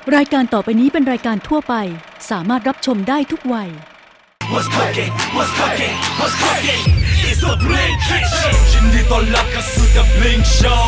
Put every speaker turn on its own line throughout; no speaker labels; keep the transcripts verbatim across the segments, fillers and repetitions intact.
รายการต่อไปนี้เป็นรายการทั่วไปสามารถรับชมได้ทุกวัย
What's cooking? What's cooking? What's cooking? It's the Blink Kitchen. ยินดีต้อนรับเข้าสู่ The Blink Show.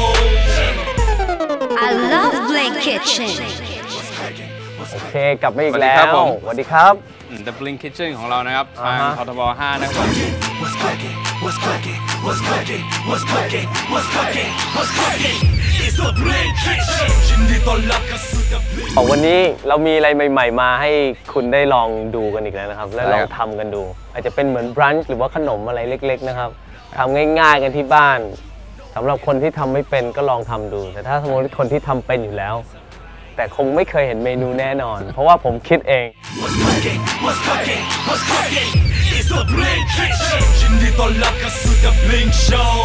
I love Blink Kitchen.
โอเคกลับมาอีกแล้วสวัสดีครับ
The Blink Kitchen ของเรานะครับทางททบห้านะครับ
What's cooking? What's cooking? What's cooking? What's cooking? What's cooking? What's cooking? It's the Blink Kitchen. ยินดีต้อนรับเข้าสู่ The Blink.
วันนี้เรามีอะไรใหม่ๆมาให้คุณได้ลองดูกันอีกแล้วนะครับและลองทำกันดูอาจจะเป็นเหมือนบรันช์หรือว่าขนมอะไรเล็กๆนะครับทำง่ายๆกันที่บ้านสำหรับคนที่ทำไม่เป็นก็ลองทำดูแต่ถ้าสมมติคนที่ทำเป็นอยู่แล้วแต่คงไม่เคยเห็นเมนูแน่นอนเพราะว่าผมคิดเอง
What's cooking? What's cooking? What's cooking? It's the Blink Kitchen. ยินดีต้อนรับเข้าสู่ The Blink Show.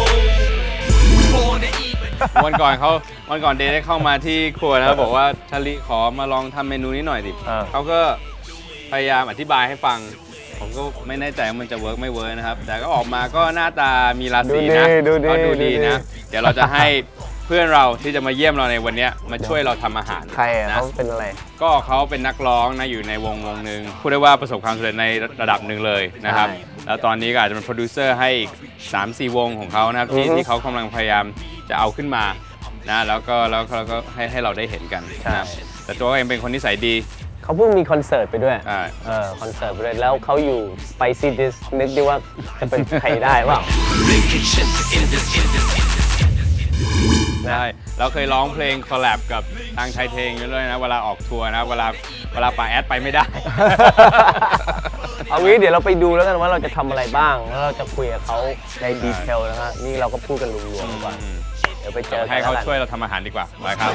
วันก่อนเขาวันก่อนเดย์ได้เข้ามาที่ครัวนะครับบอกว่าชาลีขอมาลองทำเมนูนี้หน่อยดิเขาก็พยายามอธิบายให้ฟังผมก็ไม่แน่ใจว่ามันจะเวิร์กไม่เวิร์กนะครับแต่ก็ออกมาก็หน้าตามีราศีนะก็ดูดีนะเดี๋ยวเราจะให้เพื่อนเราที่จะมาเยี่ยมเราในวันนี้มาช่วยเราทำอาหาร
ใครอ่ะเขาเป็นอะไร
ก็เขาเป็นนักร้องนะอยู่ในวงวงหนึ่งพูดได้ว่าประสบความสำเร็จในระดับหนึ่งเลยนะครับแล้วตอนนี้ก็อาจจะเป็นโปรดิวเซอร์ให้อีก สามสี่ วงของเขานะครับที่ที่เขากำลังพยายามจะเอาขึ้นมานะแล้วก็แล้วเขาก็ให้ให้เราได้เห็นกันนะแต่ตัวเองเป็นคนนิสัยดี
เขาเพิ่งมีคอนเสิร์ตไปด้วย
เอ
อคอนเสิร์ตไปด้วยแล้วเขาอยู่ Spicy Dish นึกดิว่าจะเป็นใครได้เปล่า
ใช่เราเคยร้องเพลงคอลแลบกับทางไทยเทงด้วยนะเวลาออกทัวร์นะเวลาเวลาป่าแอดไปไม่ได้
เอางี้เดี๋ยวเราไปดูแล้วกันว่าเราจะทำอะไรบ้างแล้วเราจะคุยกับเขาในดีเทลนะฮะนี่เราก็พูดกันรวมๆก่อนเดี๋ยวไปเจอ
ให้เขาช่วยเราทำอาหารดีกว่าไปครับ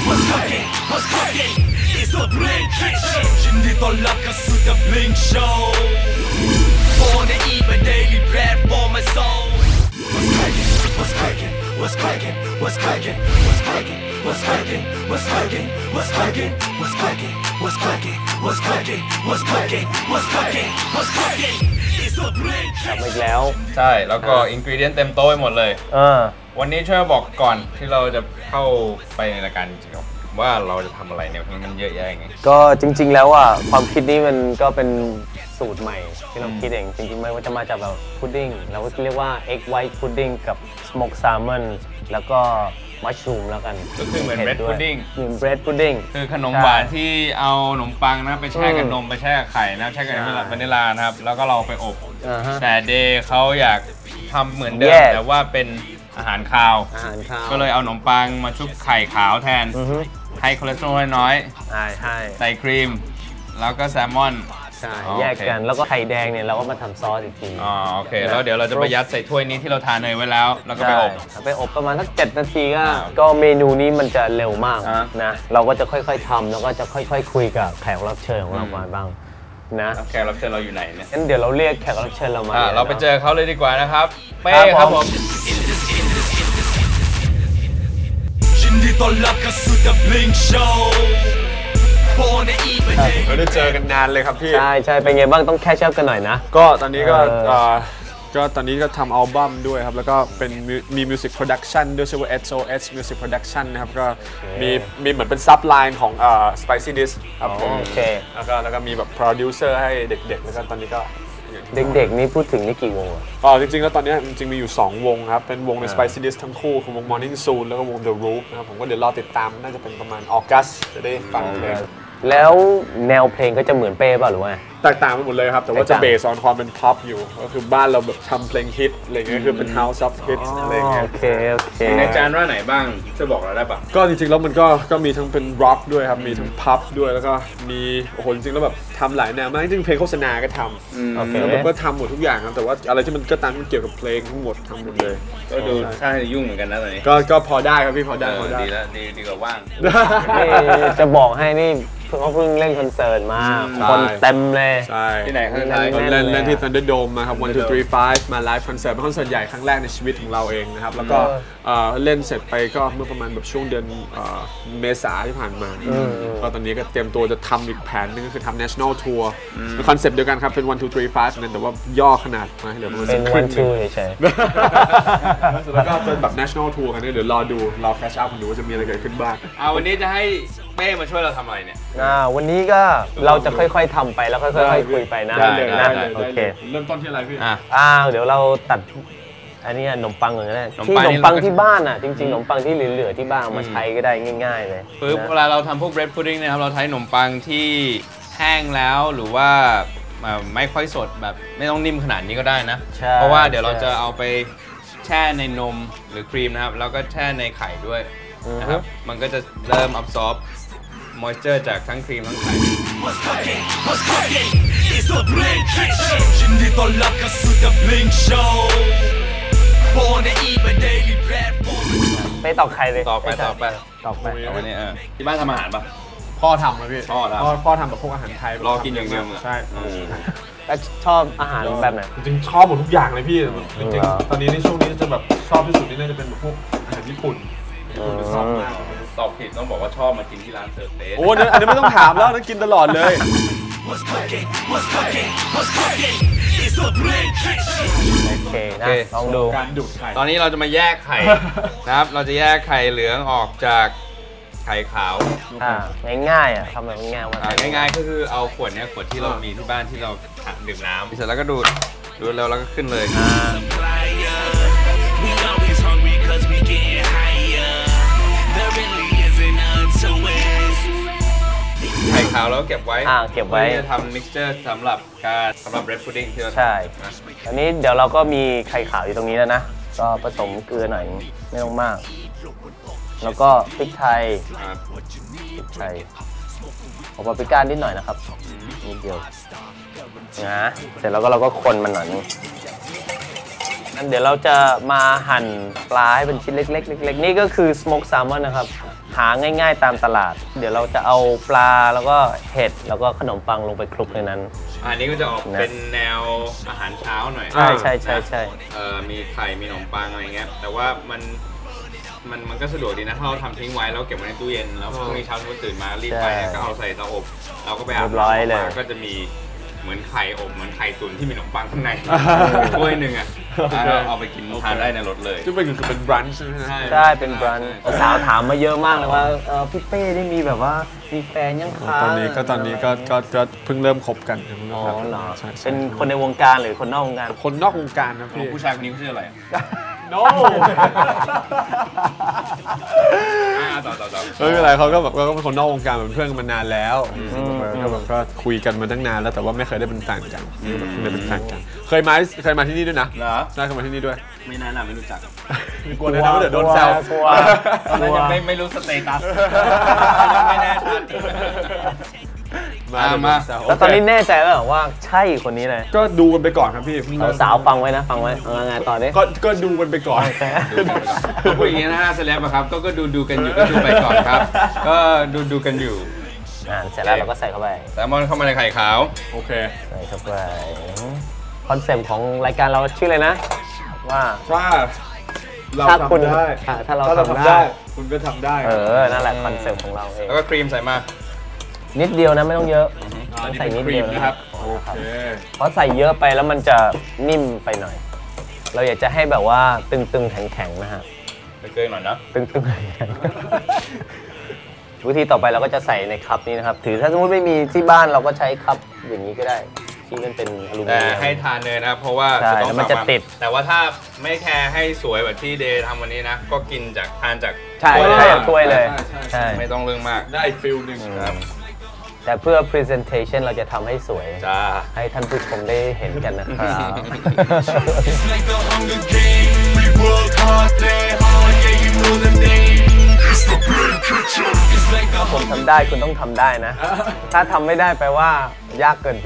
ยินดีต้อนรับเข้าสู่ The Blink Show. Born to eat my daily bread for my soul. What's cooking? What's cooking? What's cooking? What's cooking? What's cooking? What's cooking? What's cooking? What's cooking? What's cooking? What's cooking? What's cooking? What's cooking? What's cooking? It's the Blink.
กลับมาอีกแล้ว
ใช่แล้วก็อินกรีเดียนเต็มโต๊ะหมดเลย
เออ
วันนี้ช่วยบอกก่อนที่เราจะเข้าไปในรายการจริงๆว่าเราจะทำอะไรเนี่ยมันเยอะแยะไง
ก็จริงๆแล้วอ่ะความคิดนี้มันก็เป็นสูตรใหม่ที่เราคิดเองจริงๆไม่ว่าจะมาจากแบบพุดดิ้งเราก็เรียกว่า egg white pudding กับ smoked salmon แล้วก็มัชรูมแล้วกัน
ก็คือเหมือน bread pudding
เหมือน bread pudding
คือขนมหวานที่เอาขนมปังนะไปแช่กับนมไปแช่กับไข่นะแช่กับวานิลลานะครับแล้วก็เราไปอบแต่เดย์เขาอยากทำเหมือนเดิมแต่ว่าเป็นอาหารคาวก็เลยเอาขนมปังมาชุบไข่ขาวแทนให้คอเลสเตอรอลน้อยใส่ครีมแล้วก็แซลมอน
ใช่แยกกันแล้วก็ไข่แดงเนี่ยเราก็มาทำซอสอีกที
อ๋อโอเคแล้วเดี๋ยวเราจะไปยัดใส่ถ้วยนี้ที่เราทาเนยไว้แล้วแล้วก็ไปอบ
ไปอบประมาณสักเจ็ดนาทีก็ก็เมนูนี้มันจะเร็วมากนะเราก็จะค่อยๆทำแล้วก็จะค่อยๆคุยกับแขกรับเชิญของเรามาบ้างนะ
แขกรับเชิญเราอยู่ไหนเนี่ย
งั้นเดี๋ยวเราเรียกแขกรับเชิญเรามา
เราไปเจอเขาเลยดีกว่านะครับเป้ครับผม
ยินดีต้อนรับเข้าสู่ The Blink Show.
เราได้เจอกันนานเลยครับพี่
ใช่ใช่เป็นไงบ้างต้องแคชชัพกันหน่อยนะ
ก็ตอนนี้ก็ก็ตอนนี้ก็ทำอัลบั้มด้วยครับแล้วก็เป็นมีมิวสิกโปรดักชันด้วยชื่อว่า เอส โอ เอส Music Production นะครับก็มีมีเหมือนเป็นซับไลน์ของเอ่อ Spicy Dish ครับผม
โอเค
แล้วก็แล้วก็มีแบบโปรดิวเซอร์ให้เด็กๆแล้วก็ตอนนี้ก็
เด็กๆนี่พูดถึงนี่กี่วงอ่ะ
อ๋อจริงๆแล้วตอนนี้จริงๆมีอยู่สองวงครับเป็นวงใน Spicy Dish ทั้งคู่คือวง Morning Soon แล้วก็วง The Roof นะครับผมก็เดี๋ยวรอติดตามน่าจะเป็นประมาณออกัสจะได้ฟังเพลง
แล้วแนวเพลงก็จะเหมือนเป้ป่ะหรือว่า
แตกต่างไปหมดเลยครับแต่ว่าจะเบสออนความเป็นพ็อปอยู่ก็คือบ้านเราแบบทำเพลงฮิตอะไรเงี้ยคือเป็น House of Hits อะไรเงี้ย
โอเคโอเค
ในจานว่าไหนบ้างช่วยบอกเราได้ปะ
ก็จริงๆแล้วมันก็ก็มีทั้งเป็นร็อกด้วยครับมีทั้งพับด้วยแล้วก็มีโอ้โหจริงๆแล้วแบบทำหลายแนวมากจริงๆเพลงโฆษณาก็ทำแล้วผมก็ทำหมดทุกอย่างครับแต่ว่าอะไรที่มันก็ตามมันเกี่ยวกับเพลงทั้งหมดทำหมดเลย
ก็ดูใช่ยุ่งเหมือนกันนะตอนนี้
ก็ก็พอได้ครับพี่พอได้พอได้
ดีแล้วดีดีกว่าว่าง
จะบอกให้นี่เขาเพิ่งเล่นคอนเสิร์ตมาคนเต็มเลย
ที่ไหนครั้งแรกเล่นเล่นที่ Thunderdome มาครับหนึ่ง สอง สาม ห้ามาไลฟ์คอนเสิร์ตเป็นคอนเสิร์ตใหญ่ครั้งแรกในชีวิตของเราเองนะครับแล้วก็เล่นเสร็จไปก็เมื่อประมาณแบบช่วงเดือนเมษาที่ผ่านมาก็ตอนนี้ก็เตรียมตัวจะทำอีกแผนนึงก็คือทำ National Tour เป็นคอนเซ็ปต์เดียวกันครับเป็นหนึ่ง สอง สาม ห้านั่นแต่ว่าย่อขนาดมาเหลือประมาณ
เป็น one two เฉย
ๆแล้วก็เป็นแบบ National Tour กันเดี๋ยวรอดูรอแคชอัพกันดูว่าจะมีอะไรเกิดขึ้นบ้าง
วันนี้จะให้เป้มาช่วยเราทำอะไรเนี่ย
อ่าวันนี้ก็เราจะค่อยๆทำไปแล้วค่อยๆคุยไปนะ
ได้เลย
นะ
ได้เลย
โอเค
เริ่มต้นที่อะไรพี่
อ่ะ
อ่าเดี๋ยวเราตัดอันนี้ขนมปังก่อนก็ได้
ขนม
ที่
ปั
ข
ง
น
นี่
มปัง
เราก็
ที่บ้านอ่ะจริงๆขนมปังที่เหลือๆที่บ้านเอามาใช้ก็ได้ง่าย ๆเลย
ปึ๊บ
นะ
เวลาเราทำพวก bread pudding นะครับเราใช้ขนมปังที่แห้งแล้วหรือว่าเอ่อไม่ค่อยสดแบบไม่ต้องนิ่มขนาดนี้ก็ได้นะ
ใช่
เพราะว่าเดี๋ยวเรา
ใช่
จะเอาไปแช่ในนมหรือครีมนะครับแล้วก็แช่ในไข่ด้วยนะครับมันก็จะเริ่ม absorb moisture จากทั้งครีมทั้งไข่
What's cooking? What's cooking? It's the Blink Kitchen ยินดีต้อนรับเข้าสู่ The Blink Show Born to eat my daily bread
ไม่ตอกไข่เลย
ต่อไปต่อไป
ตอกไป
เอาวันนี้เออที่บ้านทำอาหารปะ
พ่อทำนะพี่
พ่อทำ
พ่อพ่อทำแบบพวกอาหารไทย
รอกินอย่างเดียวเลย
ใช่
แล้วชอบอาหารแบบไหน
จริงๆชอบหมดทุกอย่างเลยพี่จริง
เหรอ
ๆตอนนี้ในช่วงนี้จะแบบชอบที่สุดนี่น่าจะเป็นแบบพวกอาหารญี่ปุ่นญี่ปุ่นจะชอบมาก
ตอบผิดต้องบอกว่าชอบมากินที่ร้านเซิร์ฟเฟส
โอ้นั่นอันนี้ไม่ต้องถามแล้วนั่นกินตลอดเลย
What's cooking? What's cooking? What's cooking? It's the Blink Kitchen
โอเคนะลองดู
การดูดไข่
ตอนนี้เราจะมาแยกไข่ นะครับ เราจะแยกไข่เหลืองออกจากไข่ขาว
อ่าง่ายๆอ่ะทำแบบง่ายๆว่า
อ่าง่ายๆก็คือเอาขวดเนี้ยขวดที่เรามีที่บ้านที่เราดื่มน้ำเสร็จแล้วก็ดูดดูดแล้วแล้วก็ขึ้นเลย
We always hungry cause we getting higher There really isn't none to it
ไข่ขาวเราก็เก็บไว้
อ่าเก็บไว้
พื่อที่จะทำมิกซ์เจอร์สำหรับการสำหรับ bread pudding ที่เราทำ
ใช่
นะ
ตอนนี้เดี๋ยวเราก็มีไข่ขาวอยู่ตรงนี้แล้วนะ ก็ผสมเกลือหน่อยไม่ต้องมาก แล้วก็พริกไทย
ครับ
พริกไทยเอาปาปริก้านิดหน่อยนะครับนิดเดียวนะเสร็จแล้วก็เราก็คนมันหน่อยนึงงั้นเดี๋ยวเราจะมาหั่นปลาให้เป็นชิ้นเล็กๆเล็กๆนี่ก็คือ smoke salmon นะครับ หาง่ายๆตามตลาด เดี๋ยวเราจะเอาปลาแล้วก็เห็ดแล้วก็ขนมปังลงไปคลุกในนั้น
อันนี้ก็จะออกเป็นแนวอาหารเช้าหน่อย
ใช่ใช่ใช่ใช่
เอ่อมีไข่มีขนมปังอะไรเงี้ยแต่ว่ามันมันมันก็สะดวกดีนะถ้าเราทำทิ้งไว้แล้วเก็บไว้ในตู้เย็นแล้วพรุ่งนี้เช้าเราตื่นมารีบไปก็เอาใส่เตาอบเราก็ไปอาบน้ำก็จะมีเหมือนไข่อบเหมือนไข่ตุ๋นที่มีขนมปังข้างในถ้วยหนึ่งอ่ะเอาไปกินทานได้ในรถเลย
ที่เป็นคือเป็นบรันช์ใช่ไหมฮะ
ใช่เป็นบรันช์สาวถามมาเยอะมากเลยว่าเออพี่เป้ได้มีแบบว่ามีแฟนยังคะ
ตอนนี้ก็ตอนนี้ก็ก็ก็เพิ่งเริ่มคบกันเพิ่งเริ่
อ๋
ม
อ
คบ
เหรอ
ใช่ใช่
เป็นคนในวงการหรือคนนอกวงการ
คนนอกวงการนะพี่
ผู้ชายคนนี้เขาชื่ออะไรอ่ะ
no
อ่าต่อต่อต่อ
ไม่เป็นไรเขาก็แบบก็เป็นคนนอกวงการเป็นเพื่อนกันมานานแล้วก็แบบก็คุยกันมาตั้งนานแล้วแต่ว่าไม่เคยได้เป็นแฟนกันเพิ่งได้เป็นแฟนกันเคยมาเคยมาที่นี่ด้วยนะ
เหรอ
ใช่เคยมาที่นี่ด้วย
ไม่น่าหนาไม่รู้จัก
กลัวเลยนะว่าเดี๋ยวโดนแซว
กลัว
ตอนนั้นยังไม่ไม่รู้สเตตัสยังไม่แน่ชัด
มามา
แล้วตอนนี้แน่ใจแล้วเหรอว่าใช่คนนี้เลย
ก็ดูกันไปก่อนครับพี่
สาวๆฟังไว้นะฟังไว้เอาไงต่อดิ
ก็ก็ดูกันไปก่อน
ก็พูดอย่างนี้นะฮะเซเลบอะครับก็ก็ดูดูกันอยู่ก็ดูไปก่อนครับ ก็ดูดูกันอยู่
อ่าเสร็จแล้วเราก็ใส่เข้าไป
แซลมอนเข้ามาในไข่ขาว
โอเค
ใส่เข้าไปคอนเซปต์ของรายการเราชื่ออะไรนะ ว่า
ถ้าเรา
ถ้าคุณ
ทำได้
อ่ะถ้าเรา
ถ้าเรา
ทำ
ทำ
ได้
ได้ คุณก็ทำได้
เออนั่นแหละคอนเซปต์ของเราเอง
แล้วก็ครีมใส่มา
นิดเดียวนะไม่ต้องเยอะ
อ่า
ต้อง
นี่
ใส่
เป็น
นิด
ครี
เดีย
ม
ว
นะครับ
โอ
โอ
เค
เค
เพราะใส่เยอะไปแล้วมันจะนิ่มไปหน่อย เราอยากจะให้แบบว่าตึงๆแข็งๆนะฮะ
ไปเกลือหน่อยนะ
ตึงๆแข็งๆวิธีต่อไปเราก็จะใส่ในคัพนี้นะครับ ถือถ้าสมมติไม่มีที่บ้านเราก็ใช้คัพอย่างนี้ก็ได้ ที่มันเป็นอลูมิ
แต่
เนียม
ให้ทานเนยนะครับเพราะว่า
ใช่
จะต้อง
แล้วมันจะ
สั่งา
ติด
แต่ว่าถ้าไม่แคร์ให้สวยแบบที่เดย์ทำวันนี้นะ ก็กินจากทานจาก
ใช่
ถ้วย
ใช่ถ้วยเลย
ใช่ใช่
ใช่
ไม่ต้องเรื่องมาก
ได้อีกฟิลหนึ่ง
ครับ
แต่เพื่อ presentation เราจะทำให้สวย
จ้า
ให้ท่านผู้ชมได้เห็นกันนะครับ
It's like the Hunger Games We work hard, play hard, yeah you know the name It's the Blink Kitchen It's like the
ผมทำได้คุณต้องทำได้นะ ถ้าทำไม่ได้แปลว่ายากเกินไป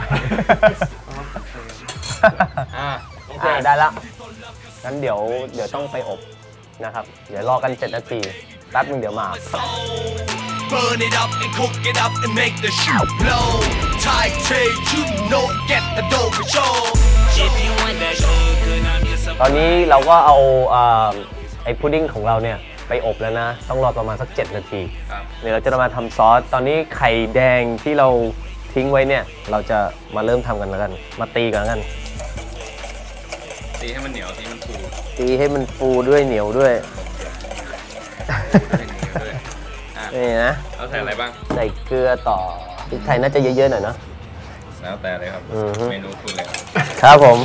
อ่า
อ่าได้ละงั้นเดี๋ยวเดี๋ยวต้องไปอบนะครับ เดี๋ยวรอกันเจ็ดนาทีแป๊บนึงเดี๋ยวมา
Burn it up and cook it up and make the shit blow. Thai Tay, you know, get the dough for sure. If you want that good, I'm just
ตอนนี้เราก็เอาเอ่อไอ้พุดดิ้งของเราเนี่ยไปอบแล้วนะ ต้องรอประมาณสักเจ็ดนาที
ครับ
เดี๋ยวเราจะมาทำซอส ตอนนี้ไข่แดงที่เราทิ้งไว้เนี่ย เราจะมาเริ่มทำกันแล้วกัน มาตีกันแล้วกัน
ตีให้มันเหนียวตีมันฟู
ตีให้มันฟูด้วยเหนียวด้วย
ให้เหนียวด้วย
นี่นะ
เราใส่อะไรบ้าง
ใส่เกลือต่อพริกไทยน่าจะเยอะๆหน่อยเนาะ
แล้วแต่เลยครับ
อือฮึ
เมนูคุณเลย
ครับผม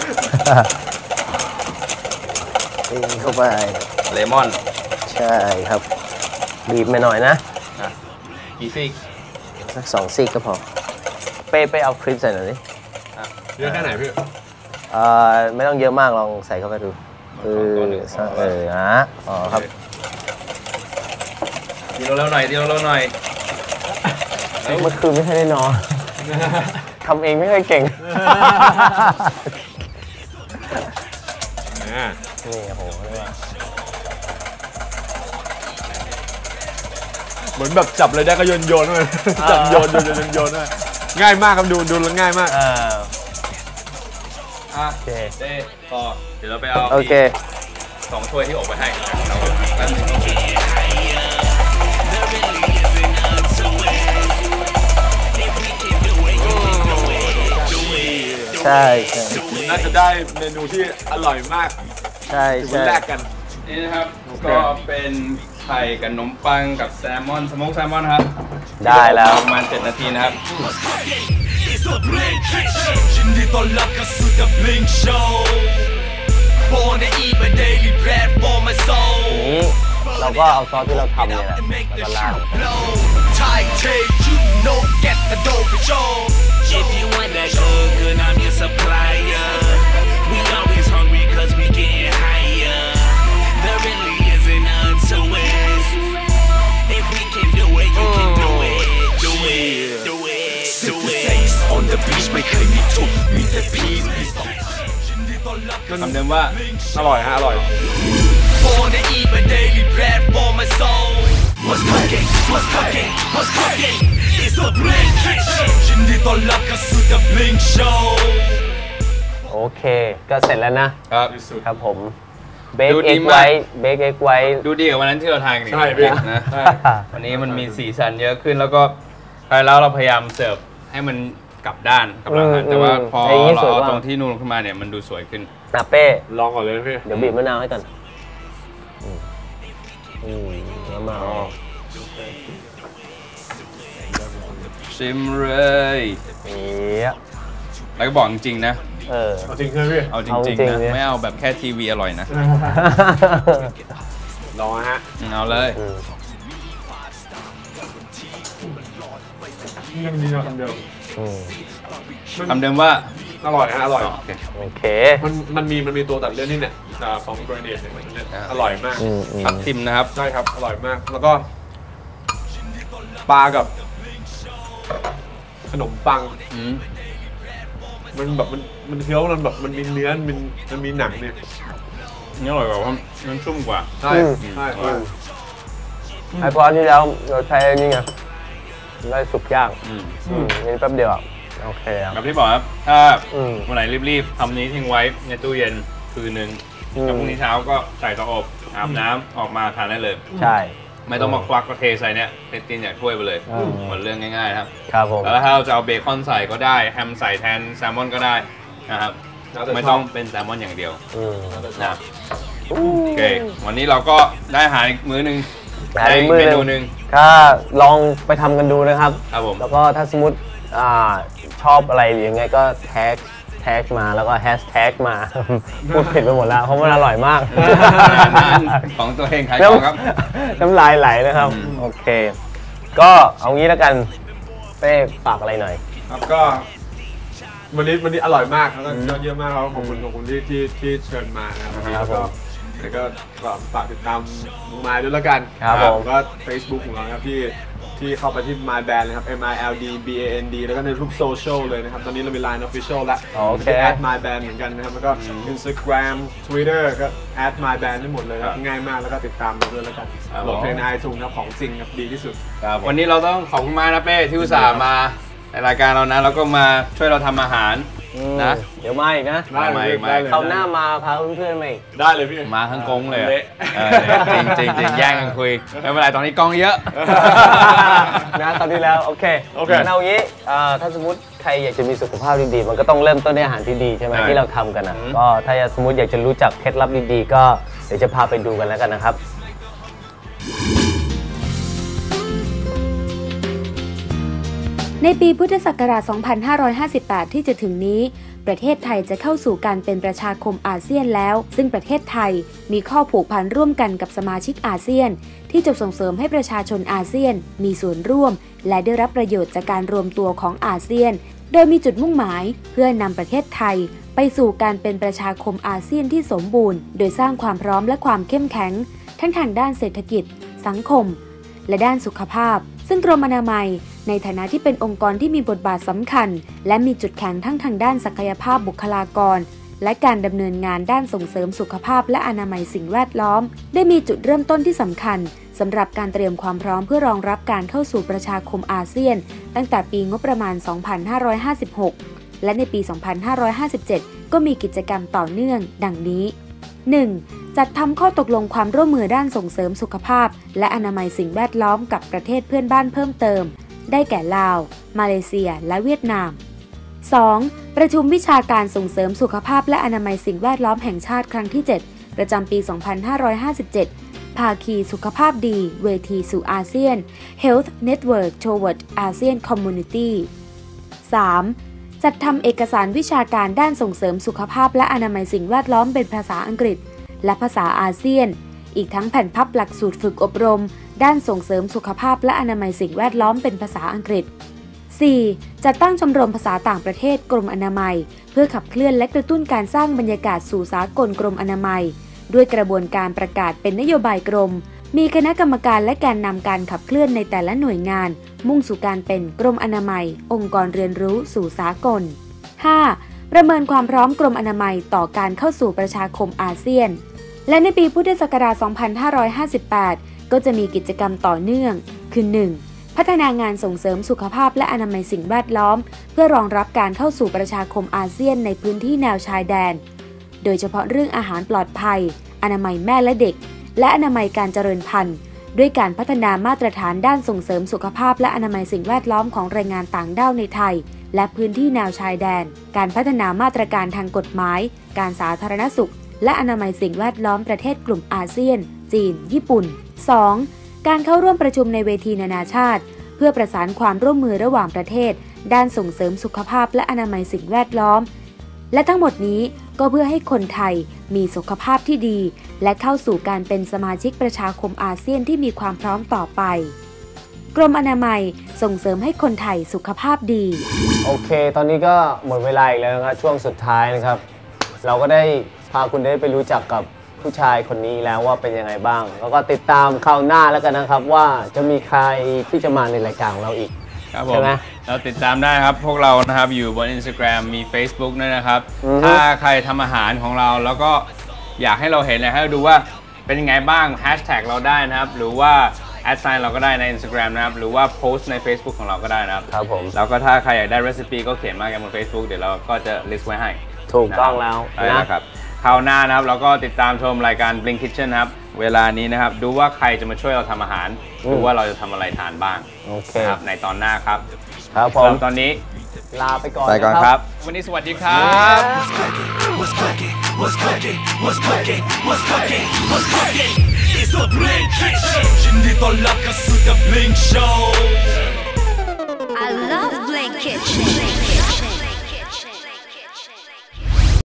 นี่เข้าไป
เลมอน
ใช่ครับบีบมาหน่อยนะ
อ่ะกี่ซีก
สักสองซีกก็พอเป้ไปเอาครีมใส่หน่อยดิ
เยอะแค่ไหนพี่
เอ่อไม่ต้องเยอะมากลองใส่เข้าไปดูเออเออนะอ๋อครับ
ดีเราเร็วหน่อยดีเราเร็วหน่อย
เมื่อคืนไม่ค่อยได้นอนทำเองไม่ค่อยเก่งนี่โอ้โหเรียกว่า
เหมือนแบบจับอะไรได้ก็โยนโยนเลยจับโยนโยนโยนโยนเลยง่ายมากครับดูดูแล้วง่ายมาก
อ่า
อ่ะ
โอเค
เต้พอเดี๋ยวเราไปเอา
โอเค
สองถ้วยที่อบไปให้เราแป๊บนึง
ใช่ใช่
น่าจะได้เมนูที่อร่อยมาก
ใช่
ถือ
ใช่
ว่าแลกกัน
นี่นะครับก็เป็นไข่กับขนมปังกับแซลมอนสโมกแซลมอนครับ
ได้แล้ว
ประมาณเจ็ดนาทีนะครับ
It's a Blink Kitchen ยินดีต้อนรับเข้าสู่ The Blink Show Born to eat my daily platform my soul
นี้เราก็เอาซอสที่เราทำเนี่ยแหละแล้วก็ราด
Thai take you know get the dough for sure If you want that good good I'm your supplier We always hungry cause we getting higher There really isn't none to it If we can do it you can do it Do it do it do it On the beach ไม่เคยมีทุกข์มีแต่ peace มีสองยินดีต้อนรับ
คำเดิมว่า
อร่อยฮะอร่อย
Born to eat my daily platform my soul What's cooking What's cooking What's cooking It's a Blink Kitchen ยินดีต้อนรับเข้าสู่ The Blink Show
โอเค ก็เสร็จแล้วนะ
ครับ
ครับผมเบค
ดูดี
เอ็ก
มาก
ไว้เบคเอ็กไว้
ดูดีกว่าวันนั้นที่เราทานกันอีก
ใช่พี่
นะ
ใช่
วันนี้มันมีสีสันเยอะขึ้นแล้วก็ไปแล้วเราพยายามเสิร์ฟให้มันกลับด้านกลับหลังหันแต่ว่าพอเราเอาตรงที่นูนขึ้นมาเนี่ยมันดูสวยขึ้น
อ่ะเป้
ลองก่อนเลยนะพี่
เดี๋ยวบีบมะนาวให้ก่อนอืมอืมมะนาว
ชิมเลย
เนี้ย
แล้วก็บอกจริงๆนะ
เออ
เอาจริงใช่ไหมพี่
เอาจ
เอาจริ
ริ
ง
ง
ๆ
ๆ
เนี่ย
นะไม่เอาแบบแค่ทีวีอร่อยนะ
ลองนะฮะ
เอาเลย
อืม
ยังดีนะคำเดียว
อืม
คำเดิมว่า
อร่อยฮะอร่อย
โอเค
โอเค
มันมันมีมันมีตัวตัดเลี่ยนนี่เนี่ยอ่าของโกรเนตเนี่ยมันเนี่ยอร่อยมาก
อืมอืม
ทับทิมนะครับ
ใช่ครับอร่อยมากแล้วก็ปลากับขนมปัง
อืม
มันแบบมันมันเคี้ยวมันแบบมันมีเนื้อมันมันมีหนังเนี่ย
นี่อร่อยกว่าเพราะมันชุ่มกว่า
ใช่ใช่ใช่
ไอพอที่แล้วเราใช้อันนี่ไงได้สุกย่าง
อืม
อืมนี่แป๊บเดียวอ่ะโอเคครับ
แบบที่บอกครับ ถ้า
อืม
วันไหนรีบๆทำนี้ทิ้งไว้ในตู้เย็นคืนนึง
อืม
แล้วพรุ่งนี้เช้าก็ใส่เตาอบอาบน้ำออกมาทานได้เลย
ใช่
ไม่ต้องมาควักก็เทใส่เนี่ยเทตินอย่างถ้วยไปเลย
อืม
หมดเรื่องง่ายๆครับ
ครับผม
แล้วถ้าเราจะเอาเบคอนใส่ก็ได้แฮมใส่แทนแซลมอนก็ได้นะครับ
แล้วแต่
ไม่
ช
ต้
อ
อบ งเป็นแซลมอนอย่างเดียว
อืม
นะโอเค วันนี้เราก็ได้อาหารอีกมื้อหนึง
ได้
ได้อีก
มื้อ
เม
หนึ่ง
นูหนึ่ง
ถ้าลองไปทำกันดูนะครับ
ครับผม
แล้วก็ถ้าสมมติอ่าชอบอะไรหรือยังไงก็แท็กแท็กมาแล้วก็แฮชแท็กมา พูดผิดไปหมดแล้วเพราะมันอร่อยมาก
ของตัวเองขายของครับ
น้ำลายไหลนะครับ
อืม
โอเค ก็เอางี้แล้วกันเป้ฝากอะไรหน่อย
ครับก็วันนี้วันนี้อร่อยมากแล้วก็ยอดเยี่ยมมากครับขอบคุณขอบคุณที่ที่ที่เชิญมานะครับ
ครั
แล้
บ
วก็แล้วก็ฝากติดตามมุงมายด้วยแล้วกัน
ครับผม
ก็ Facebook ของเราครับที่ที่เข้าไปที่ My Band นะครับ M I L D B A N D แล้วก็ในทุกโซเชียลเลยนะครับ ตอนนี้เรามี Line Official แล้ว
โอเค
แอด My Band เหมือนกันนะครับ แล้วก็ Instagram Twitter ก็แอด My Band ได้หมดเลยครับ ง่ายมากแล้วก็ติดตามเราด้วยแล้วกัน
ครับ
โหลดเพลงใน iTunes ครับของจริงครับดีที่สุด
วันนี้เราต้องขอบคุณมากนะเป้ที่อุตส่าห์มาในรายการเรานะแล้วก็มาช่วยเราทำอาหารนะ
เดี๋ยวมาอีกนะ
ได้เลย
ไม่ไม่
ได้เลย
เขาวหน้ามาพาเพื่อนๆมาอีก
ได้เลยพี่
มาทั้งกงเลยอะ
เละ
เออจริงจริงจริงแย่งกันคุยไม่เป็นไรตอนนี้กล้องเยอะ
นะตอนนี้แล้วโอเค
โอเค
งั้นเอางี้อ่าถ้าสมมติใครอยากจะมีสุขภาพดีๆมันก็ต้องเริ่มต้นด้วยอาหารที่ดีใช่ไหม
ใช่
ที่เราทำกันนะ
อืม
ก็ถ้าสมมติอยากจะรู้จักเคล็ดลับดีๆก็เดี๋ยวจะพาไปดูกันแล้วกันนะครับ
ในปีพุทธศักราช สองพันห้าร้อยห้าสิบแปด ที่จะถึงนี้ประเทศไทยจะเข้าสู่การเป็นประชาคมอาเซียนแล้วซึ่งประเทศไทยมีข้อผูกพันร่วมกันกับสมาชิกอาเซียนที่จะส่งเสริมให้ประชาชนอาเซียนมีส่วนร่วมและได้รับประโยชน์จากการรวมตัวของอาเซียนโดยมีจุดมุ่งหมายเพื่อนำประเทศไทยไปสู่การเป็นประชาคมอาเซียนที่สมบูรณ์โดยสร้างความพร้อมและความเข้มแข็งทั้งทางด้านเศรษฐกิจสังคมและด้านสุขภาพซึ่งกรมอนามัยในฐานะที่เป็นองค์กรที่มีบทบาทสำคัญและมีจุดแข็งทั้งทางด้านศักยภาพบุคลากรและการดำเนินงานด้านส่งเสริมสุขภาพและอนามัยสิ่งแวดล้อมได้มีจุดเริ่มต้นที่สำคัญสำหรับการเตรียมความพร้อมเพื่อรองรับการเข้าสู่ประชาคมอาเซียนตั้งแต่ปีงบประมาณ สองพันห้าร้อยห้าสิบหก และในปี สองพันห้าร้อยห้าสิบเจ็ด ก็มีกิจกรรมต่อเนื่องดังนี้ หนึ่ง. จัดทำข้อตกลงความร่วมมือด้านส่งเสริมสุขภาพและอนามัยสิ่งแวดล้อมกับประเทศเพื่อนบ้านเพิ่มเติมได้แก่ลาวมาเลเซียและเวียดนาม สอง. ประชุมวิชาการส่งเสริมสุขภาพและอนามัยสิ่งแวดล้อมแห่งชาติครั้งที่ เจ็ด ประจำปี สองพันห้าร้อยห้าสิบเจ็ด ภาคีสุขภาพดีเวทีสู่อาเซียน Health Network Toward ASEAN Community สาม. จัดทำเอกสารวิชาการด้านส่งเสริมสุขภาพและอนามัยสิ่งแวดล้อมเป็นภาษาอังกฤษและภาษาอาเซียนอีกทั้งแผ่นพับหลักสูตรฝึกอบรมด้านส่งเสริมสุขภาพและอนามัยสิ่งแวดล้อมเป็นภาษาอังกฤษ สี่. จัดตั้งชมรมภาษาต่างประเทศกรมอนามัยเพื่อขับเคลื่อนและกระตุ้นการสร้างบรรยากาศสู่สากลกรมอนามัยด้วยกระบวนการประกาศเป็นนโยบายกรมมีคณะกรรมการและแกนนำการขับเคลื่อนในแต่ละหน่วยงานมุ่งสู่การเป็นกรมอนามัยองค์กรเรียนรู้สู่สากล ห้า. ประเมินความพร้อมกรมอนามัยต่อการเข้าสู่ประชาคมอาเซียนและในปีพุทธศักราช สองพันห้าร้อยห้าสิบแปด ก็จะมีกิจกรรมต่อเนื่องคือ หนึ่ง. พัฒนางานส่งเสริมสุขภาพและอนามัยสิ่งแวดล้อมเพื่อรองรับการเข้าสู่ประชาคมอาเซียนในพื้นที่แนวชายแดนโดยเฉพาะเรื่องอาหารปลอดภัยอนามัยแม่และเด็กและอนามัยการเจริญพันธุ์ด้วยการพัฒนามาตรฐานด้านส่งเสริมสุขภาพและอนามัยสิ่งแวดล้อมของแรงงานต่างด้าวในไทยและพื้นที่แนวชายแดนการพัฒนามาตรการทางกฎหมายการสาธารณสุขและอนามัยสิ่งแวดล้อมประเทศกลุ่มอาเซียนจีนญี่ปุ่น สอง. การเข้าร่วมประชุมในเวทีนานาชาติเพื่อประสานความร่วมมือระหว่างประเทศด้านส่งเสริมสุขภาพและอนามัยสิ่งแวดล้อมและทั้งหมดนี้ก็เพื่อให้คนไทยมีสุขภาพที่ดีและเข้าสู่การเป็นสมาชิกประชาคมอาเซียนที่มีความพร้อมต่อไปกรมอนามัยส่งเสริมให้คนไทยสุขภาพดี
โอเคตอนนี้ก็หมดเวลาอีกแล้วนะครับช่วงสุดท้ายนะครับเราก็ได้พาคุณได้ไปรู้จักกับผู้ชายคนนี้แล้วว่าเป็นยังไงบ้างแล้วก็ติดตามคราวหน้าแล้วกันนะครับว่าจะมีใครที่จะมาในรายการของเราอีก
ครับผมเราติดตามได้ครับพวกเรานะครับอยู่บน Instagram มี Facebook ด้วยนะครับถ้าใครทำอาหารของเราแล้วก็อยากให้เราเห็นเลยให้เราดูว่าเป็นยังไงบ้างแฮชแท็กเราได้นะครับหรือว่าแอดไซน์เราก็ได้ใน Instagram นะครับหรือว่าโพสต์ใน Facebook ของเราก็ได้นะครับ
ครับผม
แล้วก็ถ้าใครอยากได้เรซิปีก็เขียนมากันบน Facebook เดี๋ยวเราก็จะ list ไว้ให้
ถูกต้องแล้ว
นะครับคราวหน้านะครับเราก็ติดตามชมรายการ Blink Kitchen นะครับเวลานี้นะครับดูว่าใครจะมาช่วยเราทำอาหารดูว่าเราจะทำอะไรทานบ้างนะครับในตอนหน้าครับ
ครับผม
ตอนนี้
ลาไปก่อน
ไปก่อนครับวันนี้สวัสดีครับ
It's the Blink Kitchen ยินดีต้อนรับเข้าสู่ The Blink Show
I love Blink Kitchen